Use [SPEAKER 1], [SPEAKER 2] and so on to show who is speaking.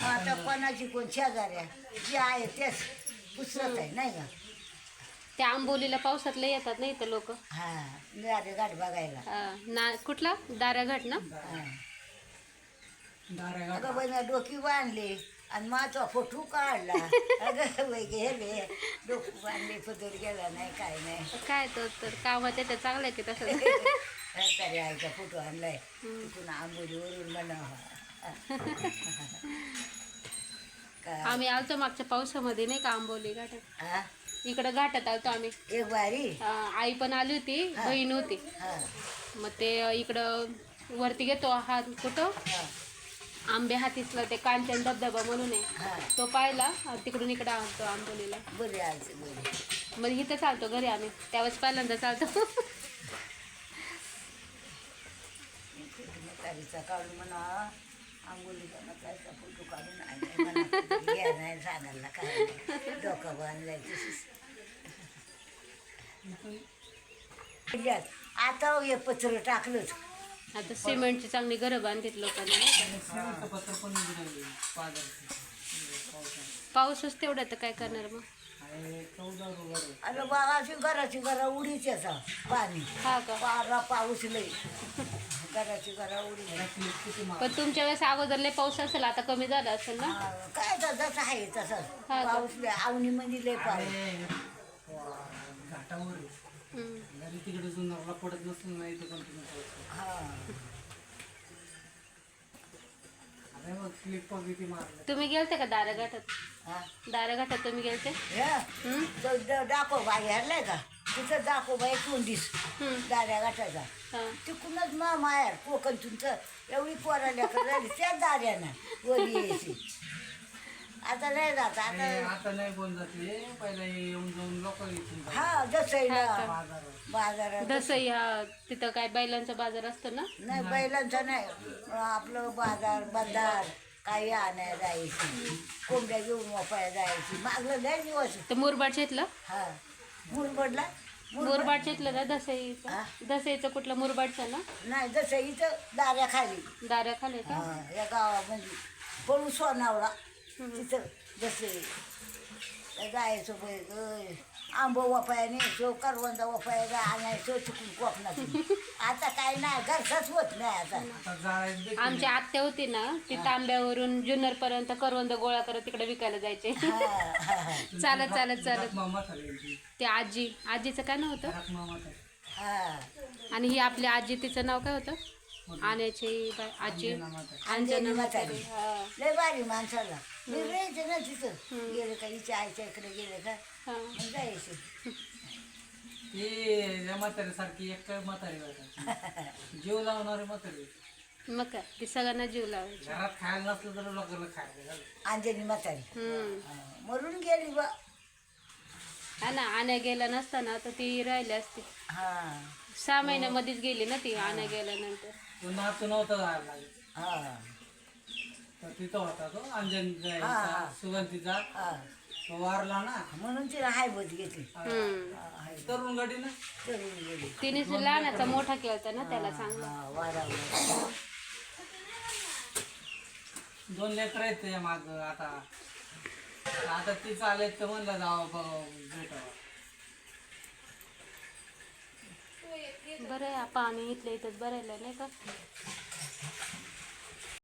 [SPEAKER 1] आता कोणाची कोण शेजाऱ्या जे आहे तेच पुसरत आहे नाही का.
[SPEAKER 2] त्या आंबोलीला पावसात लय येतात ना इथं लोक.
[SPEAKER 1] हा गाडी घाट बघायला.
[SPEAKER 2] ना कुठला दाराघाट ना.
[SPEAKER 1] हा. अगं बाई मी डोकी बांधली आणि माझा फोटो काढला. अगं बाई गेले डोकी बांधली पदर गेला नाही काय नाही.
[SPEAKER 2] काय तर कामात येतं चांगलं आहे की तसं.
[SPEAKER 1] तरी आईचा फोटो आणलाय तिथून आंबोलीवरून म्हणावा.
[SPEAKER 2] आम्ही आलतो मागच्या पावसामध्ये नाही का आंबोली घाटात.
[SPEAKER 1] हा
[SPEAKER 2] इकडं घाटात आलतो आम्ही.
[SPEAKER 1] एक बारी
[SPEAKER 2] आई पण आली होती, बहीण होती.
[SPEAKER 1] हा
[SPEAKER 2] मग ते इकडं वरती घेतो हा कुठं
[SPEAKER 1] हा
[SPEAKER 2] आंबे हातीसला ते कांचन धबधबा म्हणून आहे.
[SPEAKER 1] हा
[SPEAKER 2] तो पाहिला तिकडून इकडं आणतो आंबोलीला.
[SPEAKER 1] बरे आलते बरे.
[SPEAKER 2] मग इथं चालतो घरी आम्ही त्यावेळेस पहिल्यांदा चालतो.
[SPEAKER 1] म्हातारीचा काढून म्हणा आंघोळीचा म्हातारीचा फोटो काढून नाही नाही सांगायला काय नाही. डोकं बांधलाय आता हे पत्र टाकलंच.
[SPEAKER 2] आता सिमेंटची चांगली घरं बांधलीत लोकांनी नाही का? पाऊसच तेवढा तर काय करणार मग.
[SPEAKER 1] अरे बाबाची घराची घरा उडीच याचा पाणी.
[SPEAKER 2] हा का.
[SPEAKER 1] पारा पाऊस लई घराची घरा उडी.
[SPEAKER 2] पण तुमच्या वेळेस अगोदर लय पाऊस असेल आता कमी झाला असेल ना.
[SPEAKER 1] काय तर जसं आहे तसं
[SPEAKER 2] हा का?
[SPEAKER 1] पाऊस लय आवनी मध्ये लय पाऊस.
[SPEAKER 3] घाटावर घरी तिकडे जुन्नरला पडत नसेल ना इथं कंटिन्यू पाऊस.
[SPEAKER 1] हा
[SPEAKER 3] अरे मग क्लिप किती मारलं.
[SPEAKER 2] तुम्ही गेलते का दाराघाटात.
[SPEAKER 1] हा
[SPEAKER 2] दाराघाटात तुम्ही गेलते.
[SPEAKER 1] दाखोबा हरलाय का तिथं दाखोबा एक दिस दाऱ्या गाठायचा
[SPEAKER 2] हा.
[SPEAKER 1] तिकडूनच मायार कोकण तुमचं एवढी पोराल्या झाली त्याच दाऱ्यानं वरी यायची. आता नाही जात आता.
[SPEAKER 3] आता नाही बोल जाते पहिला येऊन जाऊन लोक येतील.
[SPEAKER 1] हा जसं
[SPEAKER 2] हा
[SPEAKER 1] बाजारात
[SPEAKER 2] दसई तिथं काय बैलांचा बाजार असतो ना.
[SPEAKER 1] नाही बैलांचा नाही आपलं बाजार काही आणायला जायची कोंबड्या घेऊन वापायला जायची मागलं लय दिवस.
[SPEAKER 2] तर मुरबाडच्या इथलं.
[SPEAKER 1] हा मुरबडला
[SPEAKER 2] मुरबाडच्या इथलं ना दसईचं. दसईचं कुठलं मुरबाडचं ना.
[SPEAKER 1] नाही जसं इथं दाऱ्या खाली
[SPEAKER 2] दारा खाली का.
[SPEAKER 1] या गावामध्ये पळू सोनावळा तिथं जसे जायचो बाई आंबो वापाया न्यायचो करवंदा वापाया आणायचो चुकून कोकणातून. आता काय नाही घरचाच होत नाही आता.
[SPEAKER 3] आता जाळ्यात
[SPEAKER 2] आमची आत्या होती ना ती तांब्यावरून जुन्नर पर्यंत करवंद गोळा करत तिकडे विकायला जायचे. चालत चालत चालत.
[SPEAKER 3] मामा झाली
[SPEAKER 2] ते आजीचं काय नाव होतं.
[SPEAKER 3] मामा झाली.
[SPEAKER 1] हा
[SPEAKER 2] आणि ही आपली आजी तिचं नाव काय होतं. आण्याची आजी अंजना म्हातारी. हा.
[SPEAKER 1] लय भारी माणसाला मी राहायचे ना तिथं गेले का हिच्या आईच्या इकडे गेले का
[SPEAKER 2] हा.
[SPEAKER 1] मग जायचे.
[SPEAKER 3] ते या म्हातारीसारखी एक काय म्हातारी वाटत जीव लावणारी म्हातारी.
[SPEAKER 2] मग काय ती सगळ्यांना जीव लावायची.
[SPEAKER 3] घरात खायला नसलं तर लोकांना खायला झालं.
[SPEAKER 1] अंजनी म्हातारी
[SPEAKER 2] हा.
[SPEAKER 1] मरून गेली बा.
[SPEAKER 2] ना आण्या गेला नसताना तर ती राहिली असती.
[SPEAKER 1] हा
[SPEAKER 2] 6 महिन्यामध्येच गेली ना ती आण्या गेल्यानंतर.
[SPEAKER 3] तो नातू नव्हता जायला लागेल
[SPEAKER 1] हा
[SPEAKER 3] तर तिथं होता तो अंजन
[SPEAKER 1] हा.
[SPEAKER 3] सुगंधीचा.
[SPEAKER 1] हा
[SPEAKER 3] तो वारला ना
[SPEAKER 1] म्हणून तिला हायबत घेतली.
[SPEAKER 3] तरुण गडी ना.
[SPEAKER 1] चढून गेली.
[SPEAKER 2] तिने लहानाचा मोठा केलता ना त्याला चांगला.
[SPEAKER 1] वारावला
[SPEAKER 3] 2 लेकर आहेत त्याच्या माग. आता आता ती चालेल तर म्हणलं जावं बघावं भेटावं.
[SPEAKER 2] बरं आहे पाणी इथलं इथंच भरायला नाही का.